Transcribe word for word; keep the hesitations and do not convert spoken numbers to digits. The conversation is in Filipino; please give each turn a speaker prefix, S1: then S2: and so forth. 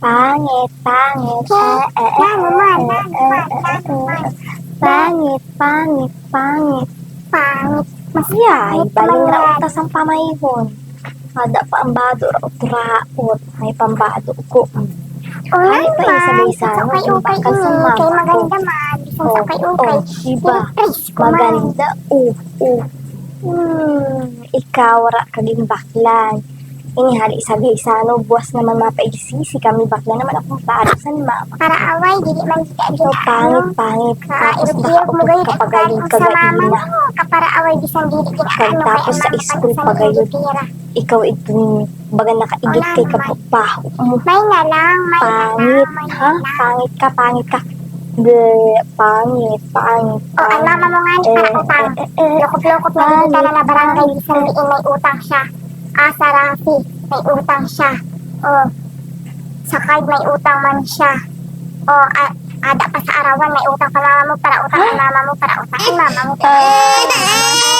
S1: Pangit, pangit, eh, eh, eh,
S2: Nanuman,
S1: eh,
S2: nanuman,
S1: eh, eh,
S2: nanuman.
S1: eh. Pangit, pangit, pangit.
S2: Pangit. Mas
S1: Yay,
S2: pangit
S1: baling
S2: naman yan.
S1: rautas ang pamayhon. Ada pa ang bado raot raot. May pambado ko.
S2: Oo
S1: Ay, pa yung
S2: naman.
S1: sabay sa ano,
S2: Ukay-ukay
S1: bakal sa
S2: ini.
S1: mama
S2: Kay
S1: ko.
S2: maganda man. Bisan
S1: Oh,
S2: sa ukay-ukay.
S1: oh, diba?
S2: Surprise ko man.
S1: Maganda. Uh, uh. Hmm, ikaw ra kaging baklan. Ini hali sabay sa ano, buwas naman mapaigsisi kami bakla naman akong bado sa ni mama.
S2: Para away, dili man kita
S1: Ikaw pangit, pangit. Tapos
S2: Kairog-irog mo
S1: nakaupot
S2: gayud
S1: ka
S2: at
S1: pagayon
S2: sa mama
S1: kagaina.
S2: mo. Kapara away, bisan dili ginaano kay
S1: Tapos sa
S2: ang mama
S1: school
S2: pag
S1: pagayon.
S2: pira.
S1: Ikaw itong baga nakaigit
S2: Wala
S1: kay
S2: naman.
S1: kapapaho mo.
S2: May na lang, may
S1: Pangit,
S2: na lang, may
S1: ha?
S2: na lang.
S1: Pangit ka, pangit ka. Bleh, pangit, pangit,
S2: O, ang mama mo nga ni para utang.
S1: Eh, eh, eh,
S2: Lokot-lokot na
S1: pangit,
S2: kita na na barangay,
S1: pangit,
S2: bisan diin may utang siya. Ah, sa Rafi, may utang siya. O, sa card may utang man siya. O, a- ada pa sa arawan, may utang pa mama mo para utang ang mama mo para utang ang mama mo.
S1: Ah,